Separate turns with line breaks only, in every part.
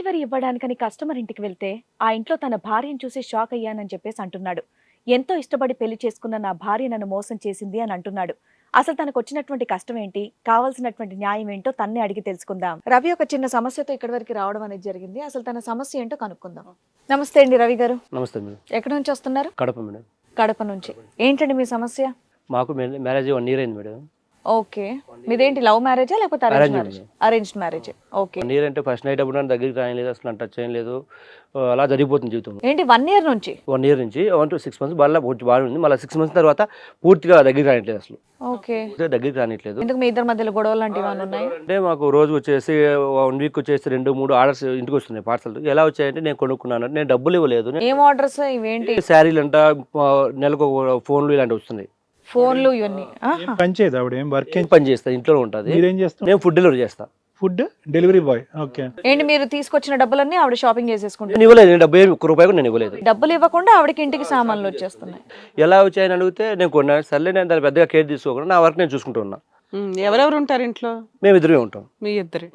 Delivery ఇవ్వడానికని customer ఇంటికి వెళ్తే ఆ ఇంట్లో తన భార్యను చూసి షాక్ అయ్యానని చెప్పేసి అంటున్నాడు. ఎంతో ఇష్టపడి పెళ్లి చేసుకున్న నా భార్య నన్ను మోసం చేసింది అని అంటున్నాడు. అసలు తనకు వచ్చినటువంటి కష్టం ఏంటి, కావాల్సినటువంటి న్యాయం ఏంటో తన్నే అడిగి తెలుసుకుందాం. రవి ఒక చిన్న సమస్యతో ఇక్కడి వరకు రావడం అనేది జరిగింది. అసలు తన సమస్య ఏంటో కనుక్కుందాం. నమస్తే అండి రవి గారు.
నమస్తే మేడం.
ఎక్కడి నుంచి వస్తున్నారు?
కడప మేడం.
కడప నుంచి. ఏంటండి మీ సమస్య?
మాకు మ్యారేజ్ 1 year అయింది మేడం.
ఓకే, మీదేంటి లవ్ మ్యారేజా లేకపోతే arrange marriage? Arranged marriage. Okay.
1 year అంటే ఫస్ట్ నైట్ అప్పుడు దగ్గరికి రాయలేదు, అసలు టచ్ చేయలేదు, అలా జరిగిపోతుంది జీవితం.
ఏంటి 1 year నుంచి?
1 year నుంచి 1 to 6 months బాగా ఉంది. మళ్ళీ 6 months తర్వాత పూర్తిగా దగ్గరికి రానిట్లేదు, అసలు
ఓకే
దగ్గరికి రానిట్లేదు.
ఎందుకు మీ ఇద్దరి మధ్యలో గొడవలు లాంటివి ఉన్నాయి?
అంటే మాకు రోజు వచ్చేసి 1 week వచ్చేసి 2-3 ఆర్డర్స్ ఇంటికి వస్తున్నాయి పార్సల్. ఎలా వచ్చాయంటే నేను కొనుక్కున్నాను, నేను డబ్బులు ఇవ్వలేదు.
ఏం ఆర్డర్స్ ఇవేంటి?
శారీలు అంట, నెలకు ఫోన్లు ఇలాంటివి వస్తున్నాయి.
ఫోన్లు ఇవన్నీ
పని చేయదు ఆవిడ? ఏం వర్క్
పని చేస్తా, ఇంట్లో ఉంటుంది.
మీరేం చేస్తారు?
నేను ఫుడ్ డెలివరీ చేస్తా.
Food delivery boy. ఓకే.
ఏంటి మీరు తీసుకొచ్చిన డబ్బులన్నీ ఆవిడ షాపింగ్ చేసేసుకుంటారు?
నేను ఇవ్వలేదు, నేను డబ్బు 1 రూపాయి కూడా నేను ఇవ్వలేదు.
డబ్బులు ఇవ్వకుండా ఆవిడకి ఇంటికి సామాన్లు వచ్చేస్తున్నాయి.
ఎలా వచ్చాయని అడిగితే నేను కొన్నాను, సర్లే నేను దాన్ని పెద్దగా కేర్ తీసుకోకుండా నా వర్క్ నేను చూసుకుంటూ ఉన్నా.
ఎవరెవరు ఉంటారు ఇంట్లో?
మేము ఇద్దరే ఉంటాం.
మీ ఇద్దరు.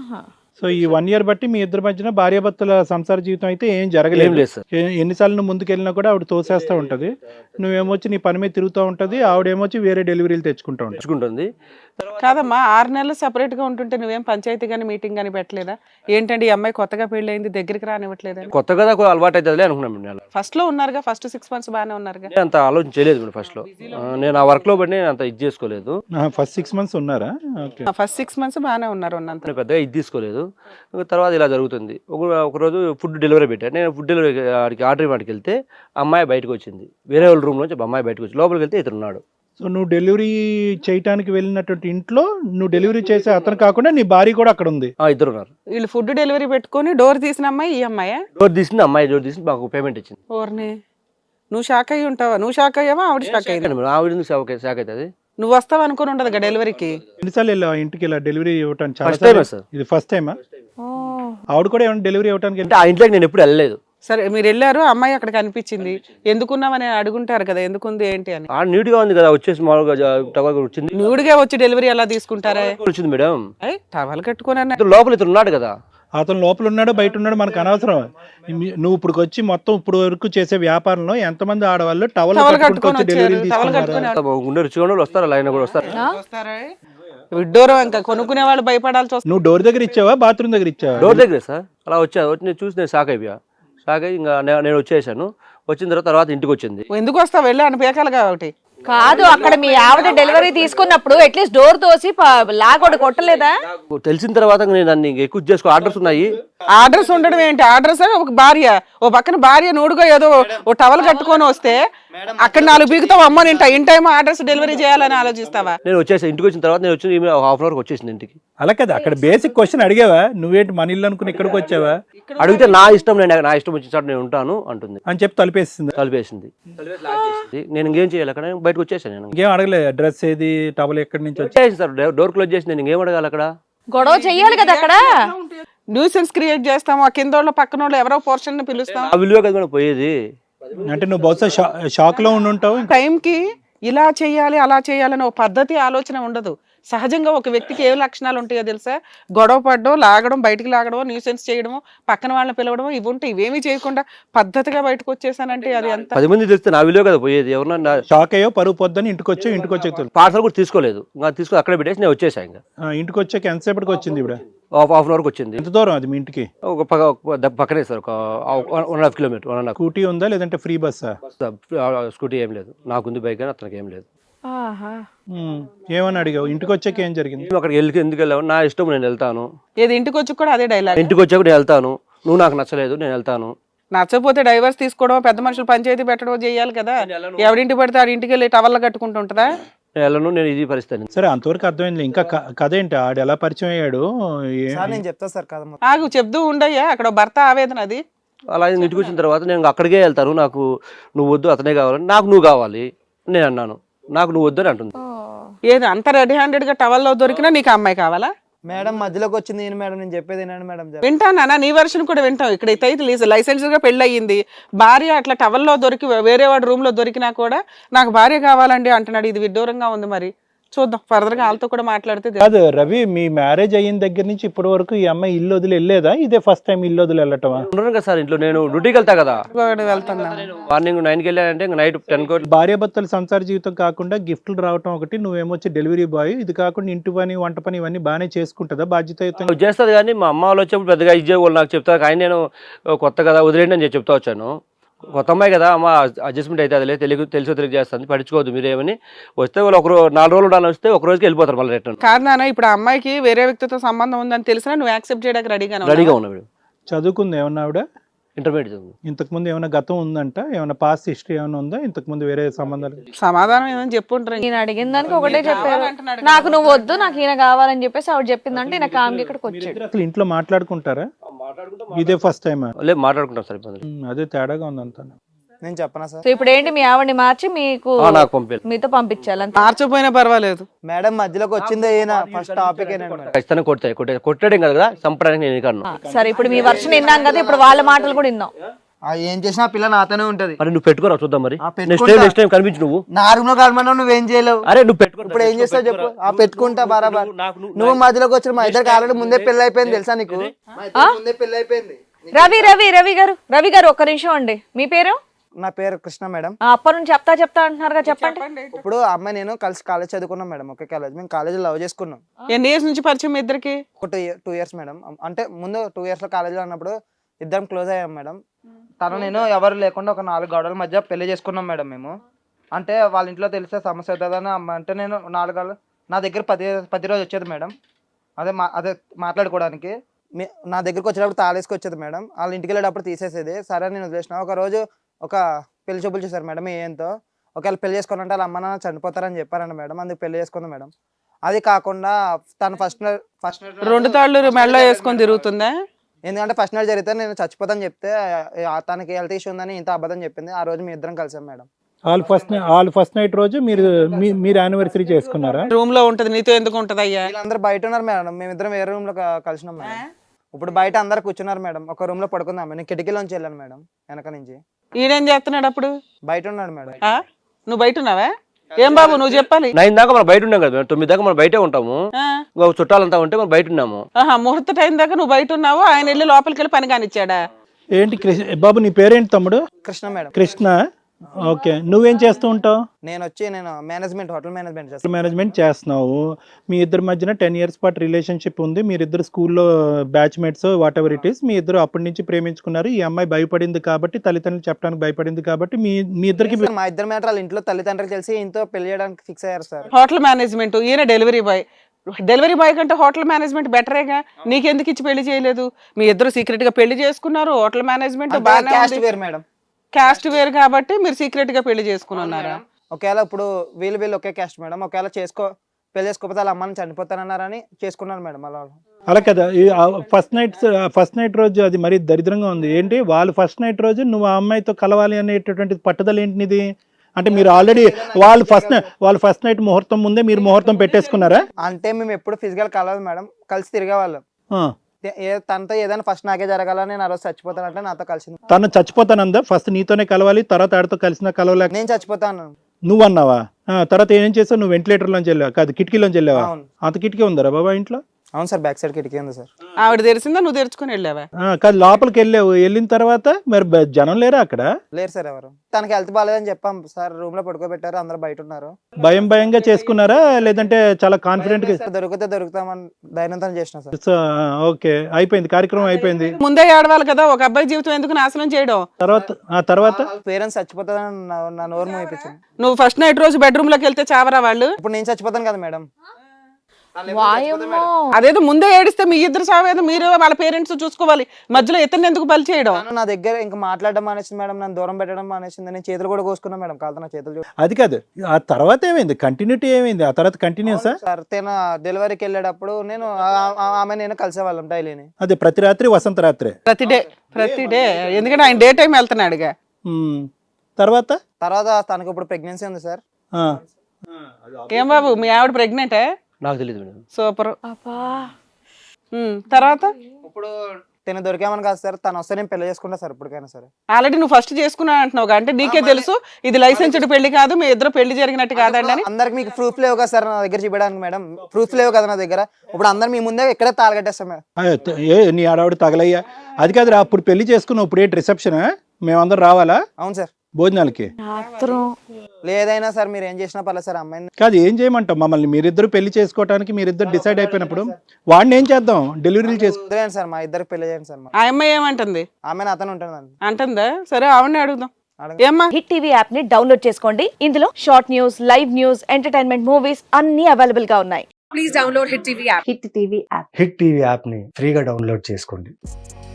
సో ఈ 1 year బట్టి మీ ఇద్దరి మధ్యన భార్యాభర్తల సంసార జీవితం అయితే ఏం జరగలేదు.
లేదు సార్.
ఎన్నిసార్లు నువ్వు ముందుకెళ్ళినా కూడా ఆవిడ తోసేస్తూ ఉంటది, నువ్వేమొచ్చి నీ పని మీద తిరుగుతూ ఉంటది, ఆవిడేమొచ్చి వేరే డెలివరీలు తెచ్చుకుంటూ ఉంటుంది.
తెచ్చుకుంటుంది.
కాదమ్మా, 6 నెలలు సెపరేట్ గా ఉంటుంటే నువ్వేం పంచాయతీ గానీ మీటింగ్ గానీ పెట్టలేదా? ఏంటండి ఈ అమ్మాయి కొత్తగా పెళ్ళయింది, దగ్గరికి రానివ్వట్లేదా?
కొత్తగా అలవాటు అవుతుంది అనుకున్నాను.
ఫస్ట్ లో ఉన్నారుగా, ఫస్ట్ 6 months బాగానే ఉన్నారుగా.
నేను అంత ఆలోచన చేయలేదు మేడం. ఫస్ట్ లో నేను ఆ వర్క్ లో పడి నేను అంత ఇది చేసుకోలేదు.
ఫస్ట్ 6 months ఉన్నారా? ఓకే.
ఫస్ట్ 6 months బాగానే ఉన్నారు ఉన్నంత.
నేను పెద్దగా ఇది తీసుకోలేదు. తర్వాత ఇలా జరుగుతుంది. ఒకరోజు ఫుడ్ డెలివరీ పెట్టాను. నేను ఫుడ్ డెలివరీ ఆర్డర్ ఇవ్వడానికి వెళ్తే అమ్మాయి బయటకు వచ్చింది. వేరే వాళ్ళ రూమ్ నుంచి అమ్మాయి బయటకు వచ్చి లోపలికి వెళ్తే ఇతను ఉన్నాడు.
సో నువ్వు డెలివరీ చేయడానికి వెళ్ళినటువంటి ఇంట్లో నువ్వు డెలివరీ చేసే అతను కాకుండా నీ భార్య కూడా అక్కడ ఉంది?
ఇద్దరు ఉన్నారు.
వీళ్ళు ఫుడ్ డెలివరీ పెట్టుకొని డోర్ తీసిన అమ్మాయి ఈ అమ్మాయా?
డోర్ తీసింది అమ్మాయి. డోర్ తీసి మాకు పేమెంట్ ఇచ్చింది.
ఓర్నే, నువ్వు షాక్ అయ్యి ఉంటావా? నువ్వు షాక్ అయ్యావా? ఆవిడ షాక్ అయ్యింది.
ఆవిడ షాక్ అవుతుంది.
నువ్వు వస్తావు అనుకుని ఉండదు డెలివరీకి.
ఎన్నిసార్లు వెళ్ళావు ఇంటికి ఇలా డెలివరీ ఇవ్వటానికి?
First time sir.
ఇది ఫస్ట్ టైమా? ఆవిడ కూడా ఏమైనా డెలివరీ ఇవ్వడానికి?
అంటే ఆ ఇంట్లోకి నేను ఎప్పుడు వెళ్ళలేదు.
సరే, మీరు వెళ్ళారు, అమ్మాయి అక్కడ కనిపించింది, ఎందుకున్నామని అడుగుంటారు కదా, ఎందుకుంది ఏంటి అని.
న్యూడ్ గా ఉంది కదా, వచ్చేసి మామూలుగా టవల్ వచ్చింది.
న్యూడ్గా వచ్చి డెలివరీ ఎలా తీసుకుంటారా?
వచ్చింది మేడం.
టవల్ కట్టుకుని
లోపల ఇతను ఉన్నాడు కదా.
అతను లోపల ఉన్నాడు బయట ఉన్నాడు మనకు అనవసరం. నువ్వు ఇప్పుడు వచ్చి మొత్తం ఇప్పుడు వరకు చేసే వ్యాపారంలో ఎంతమంది ఆడవాళ్ళు టవల్ కట్టుకొని డెలివరీ తీసుకుంటారు?
ఉండే రుచిగా వస్తారు, లైన్ కూడా వస్తారు.
విడ్డూరం, ఇంకా కొనుక్కునే వాళ్ళు భయపడాల్సి వస్తుంది.
నువ్వు డోర్ దగ్గర ఇచ్చావా, బాత్రూమ్ దగ్గర ఇచ్చావా?
డోర్ దగ్గర సార్. అలా వచ్చి నేను చూసి నేను షాక్ అయిపోయా. షాక్ అయ్యి ఇంకా నేను వచ్చేసాను. వచ్చిన తర్వాత ఇంటికి వచ్చింది.
ఎందుకు వస్తావు? వెళ్ళి అని పేకాలి కాబట్టి
కాదు. అక్కడ మీ ఆవిడ డెలివరీ తీసుకున్నప్పుడు అట్లీస్ట్ డోర్ తోసి లాగొడ కొట్టలేదా?
తెలిసిన తర్వాత నేను దాన్ని ఎక్కువ చేసుకో. ఆర్డర్స్ ఉన్నాయి.
ఆర్డర్స్ ఉండడం ఏంటి? ఆర్డర్స్ ఒక భార్య, ఓ పక్కన భార్య నూడుగా ఏదో ఓ టవల్ కట్టుకొని వస్తే అక్కడ 4 బీగుతావు. అమ్మ నేను ఇన్ టైం ఆర్డర్స్ డెలివరీ చేయాలని ఆలోచిస్తావా?
నేను వచ్చేసాను. ఇంటికి వచ్చిన తర్వాత నేను వచ్చి 1/2 hour వచ్చేసింది ఇంటికి.
అలా కదా, అక్కడ బేసిక్ క్వశ్చన్ అడిగావా? నువ్వేంటి మన ఇల్లు అనుకుని ఇక్కడికి వచ్చావా?
అడిగితే నా ఇష్టం, నా ఇష్టం వచ్చిన నేను ఉంటాను అంటుంది
అని చెప్పి తలిపేసింది.
నేను ఇంకేం చేయాలి? అక్కడ బయటకు వచ్చేసాను. నేను
ఇంకేం అడగలేదు. అడ్రస్ ఏది, టవల్ ఎక్కడి నుంచి
వచ్చేసి సార్ డోర్ క్లోజ్ చేసి నేను ఇంకేం అడగాలి? అక్కడ
గొడవ చెయ్యాలి కదా. అక్కడ
న్యూసెన్స్ క్రియేట్ చేస్తాము. ఆ కింద వాళ్ళు పక్కన వాళ్ళు ఎవరో పోర్షన్ పిలుస్తాం.
ఆ విలువ కదా పోయేది.
అంటే నువ్వు బహుశా షాక్ లో ఉండుంటావు.
టైంకి ఇలా చేయాలి అలా చేయాలని ఒక పద్ధతి ఆలోచన ఉండదు. సహజంగా ఒక వ్యక్తికి ఏ లక్షణాలు ఉంటాయో తెలుసా? గొడవ పడడం, లాగడం, బయటికి లాగడం, న్యూసెన్స్ చేయడము, పక్కన వాళ్ళని పిలవడం, ఇవి ఉంటాయి. ఇవేమీ చేయకుండా పద్ధతిగా బయటకు వచ్చేసానంటే అది ఎంత
10 మంది తెలిస్తే నా విలువ కదా పోయేది. ఎవరన్నా
షాక్ అయ్యో, పరువు పొద్దుని ఇంటికి వచ్చి
పార్సల్ కూడా తీసుకోలేదు. ఇంకా తీసుకొని అక్కడ పెట్టేసి నేను వచ్చేసాను. ఇంకా
ఇంటికి వచ్చాక ఎంతసేపటికి వచ్చింది? ఇప్పుడు
1/2 hour వచ్చింది.
ఎంత దూరం అది మీ ఇంటికి?
పక్కనే సార్, ఒక 1.5 kilometer.
స్కూటీ ఉందా లేదంటే ఫ్రీ బస్సా?
స్కూటీ ఏం లేదు, నాకుంది బైక్ కానీ అతనికి ఏం లేదు.
ఏమని అడిగావు? ఇంటికి వచ్చాక ఏం జరిగింది?
అక్కడికి ఎందుకు వెళ్ళావు? నా ఇష్టం, నేను వెళ్తాను.
ఏది ఇంటికి వచ్చి కూడా అదే డైలాగ్.
ఇంటికి వచ్చాక నేను వెళ్తాను, నువ్వు నాకు నచ్చలేదు, నేను వెళ్తాను.
నచ్చకపోతే డైవర్స్ తీసుకోవడం, పెద్ద మనుషులు పంచాయతీ పెట్టడం చేయాలి కదా. ఎవరింటికి పడితే ఆడి ఇంటికి వెళ్ళి టవల్ కట్టుకుంటుంటదా?
నేను వెళ్ళను, నేను ఇది పరిస్థితి.
సరే, అంతవరకు అర్థమైంది. ఇంకా కథ ఏంటి? ఆడు ఎలా పరిచయం అయ్యాడు?
నేను చెప్తా సార్ కథ.
ఆగు, చెప్తూ ఉండయ్యా. అక్కడ భర్త ఆవేదన అది.
అలా ఇంటికి వచ్చిన తర్వాత నేను అక్కడికే వెళ్తాను. నాకు నువ్వు వద్దు, అతనే కావాలి. నాకు నువ్వు కావాలి. నేను అన్నాను, నాకు నువ్వు వద్దు అని అంటుంది.
ఏది అంత రెడీ హ్యాండెడ్ గా టవల్లో దొరికినా నీకు అమ్మాయి కావాలా?
మేడం మధ్యలోకి వచ్చింది మేడం, నేను చెప్పేది మేడం.
వింటానా? నీ వర్షన్ కూడా వింటాం. ఇక్కడ అయితే లైసెన్స్ గా పెళ్లి అయ్యింది, భార్య అట్లా టవల్లో దొరికి వేరే వాడి రూమ్ లో దొరికినా కూడా నాకు భార్య కావాలండి అంటున్నాడు. ఇది విడ్డూరంగా ఉంది. మరి చూద్దాం ఫర్దర్ గా వాళ్ళతో కూడా మాట్లాడితే
కాదు రవి, మీ మ్యారేజ్ అయిన దగ్గర నుంచి ఇప్పటి వరకు ఈ అమ్మాయి ఇల్లు వదిలి వెళ్ళేదా? ఇదే ఫస్ట్ టైం ఇల్లు వదిలి వెళ్ళటమా?
ఉండను కదా సార్ ఇంట్లో, నేను డ్యూటీకి వెళ్తా కదా.
వెళ్తున్నా
మార్నింగ్ 9కి వెళ్ళానంటే ఇంకా నైట్ 10
భార్యాభర్తల సంసార జీవితం కాకుండా గిఫ్ట్లు రావటం ఒకటి, నువ్వేమొచ్చి డెలివరీ బాయ్, ఇది కాకుండా ఇంటి పని వంట పని ఇవన్నీ బాగానే చేసుకుంటుందా బాధ్యతయుతంగా?
చేస్తుంది. కానీ మా అమ్మ వాళ్ళు వచ్చేప్పుడు పెద్దగా ఇచ్చే వాళ్ళు నాకు చెప్తారు. కానీ నేను కొత్త కదా వదిలేండి అని చెప్తా వచ్చాను. కొత్త అమ్మాయి కదా అమ్మ, అడ్జస్ట్మెంట్ అయితే అదిలే, తెలిసి తెలిసి చేస్తుంది, పట్టించుకోవద్దు మీరేమని. వస్తే వాళ్ళు 4 రోజులు ఉండాలని వస్తే ఒక రోజుకి వెళ్ళిపోతారు మళ్ళీ రిటర్న్.
కాదు నాన్న, ఇప్పుడు ఆ అమ్మాయికి వేరే వ్యక్తితో సంబంధం ఉందని తెలిసినా నువ్వు యాక్సెప్ట్ చేయడానికి
రెడీగా ఉన్నా మేడం.
చదువుకుంది ఏమన్నా ఆవిడ?
ఇంటర్మీడియట్ చదువు.
ఇంతకుముందు ఏమైనా గతం ఉందంట? ఏమైనా పాస్ట్ హిస్టరీ ఏమైనా ఉందా? ఇంతకుముందు వేరే సంబంధాలు?
సమాధానం ఏమని చెప్పుంటారు.
నేను అడిగిన దానికి ఒకటే చెప్పారు, నాకు నువ్వు వద్దు, నాకు ఈయన కావాలని చెప్పేసి ఆవిడ చెప్పిందంటే ఈయన కామ్కి ఇక్కడికి వచ్చాడు.
అసలు ఇంట్లో మాట్లాడుకుంటారా? ఇదే ఫస్ట్ టైం?
లేదు మాట్లాడుకుంటాం సార్. ఇబ్బంది
అదే తేడాగా ఉందంతా.
నేను చెప్పనా సార్?
సో ఇప్పుడు ఏంటి, మీ ఆవిడని మార్చి మీకు
నాకు పంపించాలి,
మీతో పంపించాలి అంతే.
మార్చిపోయినా పర్వాలేదు.
మేడం మధ్యలోకి వచ్చిందే ఈయన ఫస్ట్ టాపిక్ మేడం.
ఖచ్చితంగా కొట్టడం కదా, చంపడానికి నేను కాను.
సరే ఇప్పుడు మీ వర్షన్ విన్నాం కదా, ఇప్పుడు వాళ్ళ మాటలు కూడా విన్నాం.
ఏం చేసినా ఆ పిల్ల నాతోనే ఉంటది.
మరి నువ్వు పెట్టుకోరా చూద్దాం. మరి
పెట్టుకుంటా.
నెక్స్ట్ టైం కనిపించు నువ్వు.
నా రూమ్ లో కలమన్నా నువ్వేం చేయలేవు.
అరే నువ్వు పెట్టుకో.
ఇప్పుడు ఏం చేస్తావు చెప్పు? పెట్టుకుంటా బరాబర్. నువ్వు మధ్యలోకి వచ్చిన మా ఇద్దరికి ఆల్రెడీ ముందే పెళ్లి అయిపోయింది తెలుసా నీకు? ముందే పెళ్లి అయిపోయింది.
రవి గారు ఒక్క నిమిషం అండి, మీ పేరు?
నా పేరు కృష్ణ మేడం.
అప్పటి నుంచి చెప్తా అంటున్నారు, చెప్పండి.
ఇప్పుడు అమ్మాయి నేను కలిసి కాలేజ్ చదువుకున్నాం మేడం, ఒకే కాలేజ్. మేము కాలేజ్ లవ్ చేసుకున్నాం.
ఎన్ని ఇయర్స్ నుంచి పరిచయం మీ ఇద్దరికి?
ఒక 2 years మేడం. అంటే ముందు 2 years లో కాలేజీలో ఉన్నప్పుడు ఇద్దరం క్లోజ్ అయ్యాం మేడం. తను నేను ఎవరు లేకుండా ఒక 4 గోడల మధ్య పెళ్లి చేసుకున్నాం మేడం మేము. అంటే వాళ్ళ ఇంట్లో తెలిసే సమస్య అవుతుందని అమ్మ అంటే నేను 4 గోడలు నా దగ్గర 10 రోజు వచ్చేది మేడం. అదే మాట్లాడుకోవడానికి. నా దగ్గరికి వచ్చేటప్పుడు తాళేసుకు వచ్చేది మేడం. వాళ్ళ ఇంటికి వెళ్ళేటప్పుడు తీసేసేది. సరే నేను వదిలేసిన. ఒక రోజు ఒక పెళ్లి చూపులు చూసారు మేడం. ఏంతో ఒకవేళ పెళ్లి చేసుకోవాలంటే వాళ్ళ అమ్మ నాన్న చనిపోతారని చెప్పారండి మేడం. అందుకు పెళ్లి చేసుకుంది మేడం. అది కాకుండా తను ఫస్ట్
2 తాళ్ళు మెడలో వేసుకొని తిరుగుతుందా?
ఎందుకంటే ఫస్ట్ నైట్ జరిగితే నేను చచ్చిపోతాను చెప్తే తనకి హెల్త్ ఇష్యూ ఉందని ఇంత అబద్ధం చెప్పింది. ఆ రోజు మీ ఇద్దరం కలిసాం మేడం.
వాళ్ళు ఫస్ట్ నైట్ రోజు మీరు యానివర్సరీ చేసుకున్నారా?
రూమ్ లో ఉంటది, నీతో ఎందుకు ఉంటది అయ్యా?
వీళ్ళందరూ బయట ఉన్నారు మేడం. మేమిద్దరం వేరే రూమ్ లో కలిసినాం మేడం. ఇప్పుడు బయట అందరు కూర్చున్నారు మేడం. ఒక రూమ్ లో పడుకుందాం. నేను కిటికీలోంచి వెళ్ళాను మేడం, వెనక నుంచి.
ఈయనేం చేస్తున్నాడు అప్పుడు?
బయట ఉన్నాడు మేడం.
నువ్వు బయట ఉన్నావా? ఏం బాబు నువ్వు చెప్పాలి.
9 దాకా మనం బయట ఉన్నాం కదా, 9 దాకా మనం బయటే ఉంటాము. చుట్టాలంతా ఉంటే మనం బయట ఉన్నాము.
ముహూర్త టైం దాకా నువ్వు బయట ఉన్నావు, ఆయన వెళ్ళి లోపలికి వెళ్ళి పని కానిచ్చాడా?
ఏంటి బాబు నీ పేరేంటి తమ్ముడు?
కృష్ణ మేడం.
కృష్ణ. ఓకే, నువ్వేం చేస్తూ ఉంటావు?
నేను మేనేజ్మెంట్, హోటల్ మేనేజ్మెంట్ చేస్తాను.
మేనేజ్మెంట్ చేస్తున్నావు. మీ ఇద్దరి మధ్యన 10 years పాటు రిలేషన్షిప్ ఉంది. మీరిద్దరు స్కూల్లో batchmates whatever it is. మీ ఇద్దరు అప్పటి నుంచి ప్రేమించుకున్నారు. ఈ అమ్మాయి భయపడింది కాబట్టి, తల్లిదండ్రులు చెప్పడానికి భయపడింది కాబట్టి మీ ఇద్దరికి
మా ఇద్దరు మ్యాటర్ వాళ్ళ ఇంట్లో తల్లిదండ్రులు తెలిసి ఇంతో పెళ్లి చేయడానికి ఫిక్స్ అయ్యారు సార్.
హోటల్ మేనేజ్మెంట్, ఈయన డెలివరీ బాయ్. డెలివరీ బాయ్ కంటే హోటల్ మేనేజ్మెంట్ బెటరేగా. నీకెందుకు ఇచ్చి పెళ్లి చేయలేదు? మీ ఇద్దరు సీక్రెట్ గా పెళ్లి చేసుకున్నారు. హోటల్ మేనేజ్మెంట్
మేడం,
క్యాస్ట్ వేరు కాబట్టి మీరు సీక్రెట్ గా పెళ్లి చేసుకుని ఉన్నారా?
ఒకవేళ ఇప్పుడు వీళ్ళు ఒకే క్యాస్ట్ మేడం. ఒకవేళ పెళ్లి చేసుకోకపోతే వాళ్ళ అమ్మని చనిపోతానన్నారని చేసుకున్నారు మేడం.
అలా కదా. ఫస్ట్ నైట్ రోజు అది మరీ దరిద్రంగా ఉంది. ఏంటి వాళ్ళు ఫస్ట్ నైట్ రోజు నువ్వు ఆ అమ్మాయితో కలవాలి అనేటటువంటి పట్టుదల ఏంటిది? అంటే మీరు ఆల్రెడీ వాళ్ళు ఫస్ట్ నైట్ ముహూర్తం ముందే మీరు ముహూర్తం పెట్టేసుకున్నారా?
అంటే మేము ఎప్పుడు ఫిజికల్ కలవదు మేడం, కలిసి తిరిగేవాళ్ళం. తనతో ఏదైనా ఫస్ట్ నాకే జరగాలని, నేను ఆ రోజు చచ్చిపోతానంటే నాతో కలిసి.
తను చచ్చిపోతానందా? ఫస్ట్ నీతోనే కలవాలి, తర్వాత ఆడితో కలిసినా కలవలేక
నేను చచ్చిపోతాను
నువ్వు అన్నావా? తర్వాత ఏం చేస్తావు? నువ్వు వెంటిలేటర్ లోంచి వెళ్ళావా? కాదు, కిటికీలోంచి వెళ్ళావా? అంత కిటికీ ఉందరా బాబా ఇంట్లో?
అవును సార్, బ్యాక్ సైడ్ కిటికీ ఉంది సార్.
ఆవిడ తెరిసిందా, నువ్వు తెరుచుకుని వెళ్ళావా?
కాదు, లోపలికి వెళ్ళిన తర్వాత మరి జనం లేరా అక్కడ?
లేరు సార్ ఎవరు. తనకి హెల్త్ బాగాలేదని చెప్పాం సార్, రూమ్ లో పడుకోబెట్టారు, అందరూ బయట ఉన్నారు.
భయంగా చేసుకున్నారా లేదంటే చాలా కాన్ఫిడెంట్ గా?
దొరుకుతామని ధైర్యంతో చేసిన సార్.
ఓకే, అయిపోయింది, కార్యక్రమం అయిపోయింది.
ముందే ఆడవాలి కదా, ఒక అబ్బాయి జీవితం ఎందుకు నాశనం చేయడం?
తర్వాత
పేరెంట్స్ చచ్చిపోతారని నా నోరు మోయిపించింది.
నువ్వు ఫస్ట్ నైట్ రోజు బెడ్రూమ్ లోకి వెళ్తే చావరా వాళ్ళు?
ఇప్పుడు నేను చచ్చిపోతాను కదా మేడం.
అదేదో ముందే ఏడిస్తే మీ ఇద్దరు సావేదో మీరు వాళ్ళ పేరెంట్స్ చూసుకోవాలి. మధ్యలో ఇతను ఎందుకు బలి చేయడం?
నా దగ్గర ఇంకా మాట్లాడడం మానేసింది మేడం, నన్ను దూరం పెట్టడం మానేసింది. నేను చేతులు కూడా కోసుకున్నా మేడం, కాదు నా చేతులు.
అది కాదు, ఆ తర్వాత ఏమైంది? కంటిన్యూటీ ఏమైంది ఆ తర్వాత? కంటిన్యూసా
సార్? తన డెలివరీకి వెళ్ళేటప్పుడు నేను నేను కలిసేవాళ్ళం డైలీని.
అదే ప్రతి రాత్రి, వసంత రాత్రి,
ప్రతి డే. ఎందుకంటే ఆయన డే టైం వెళ్తున్నాడుగా.
తర్వాత
తనకు ఇప్పుడు ప్రెగ్నెన్సీ ఉంది సార్.
ఏం బాబు మీ ఆవిడ ప్రెగ్నెంటే?
నాకు తెలియదు మేడం.
సూపర్. తర్వాత
ఇప్పుడు తిన దొరికామని కాదు సార్, తను వస్తే నేను పెళ్లి చేసుకుంటా సార్ ఇప్పటికైనా సరే.
ఆల్రెడీ నువ్వు ఫస్ట్ చేసుకున్నా అంటున్నావు అంటే నీకే తెలుసు ఇది లైసెన్స్డ్ పెళ్లి కాదు, మీ ఇద్దరు పెళ్లి జరిగినట్టు కాదండి అని.
అందరికి మీకు ప్రూఫ్ లేవు కదా సార్ నా దగ్గర చూపించడానికి మేడం, ప్రూఫ్ లేవు కదా నా దగ్గర. ఇప్పుడు అందరు మీ ముందే ఇక్కడే తాళగట్టేస్తాం మేడం.
నీ ఆడవాడు తగలయ్యా, అది కాదురా అప్పుడు పెళ్లి చేసుకున్నావు, ఇప్పుడు ఏంటి రిసెప్షన్, మేమందరం రావాలా
అవును సార్.
భోజనాలకి?
లేదైనా సార్ మీరు ఏం చేసినా పర్లేదు సార్ అమ్మాయిని.
కాదు ఏం చేయమంటావు మమ్మల్ని, మీరిద్దరు పెళ్లి చేసుకోవడానికి మీరిద్దరు డిసైడ్ అయిపోయినప్పుడు వాడిని ఏం చేద్దాం, డెలివరీలు చేసుకో
వదిలేండి సార్, మా ఇద్దరికి పెళ్లి చేయండి సార్.
ఆ అమ్మాయి ఏమంటుంది?
ఆమె అతను ఉంటుందండి.
అంటుందా? సరే ఆవిడని అడుగుదాం. ఏమ్మా?
హిట్ టీవీ యాప్ ని డౌన్లోడ్ చేసుకోండి. ఇందులో short news, live news, entertainment movies అన్ని అవైలబుల్ గా ఉన్నాయి.
హిట్ టీవీ యాప్ని ఫ్రీగా డౌన్లోడ్ చేసుకోండి.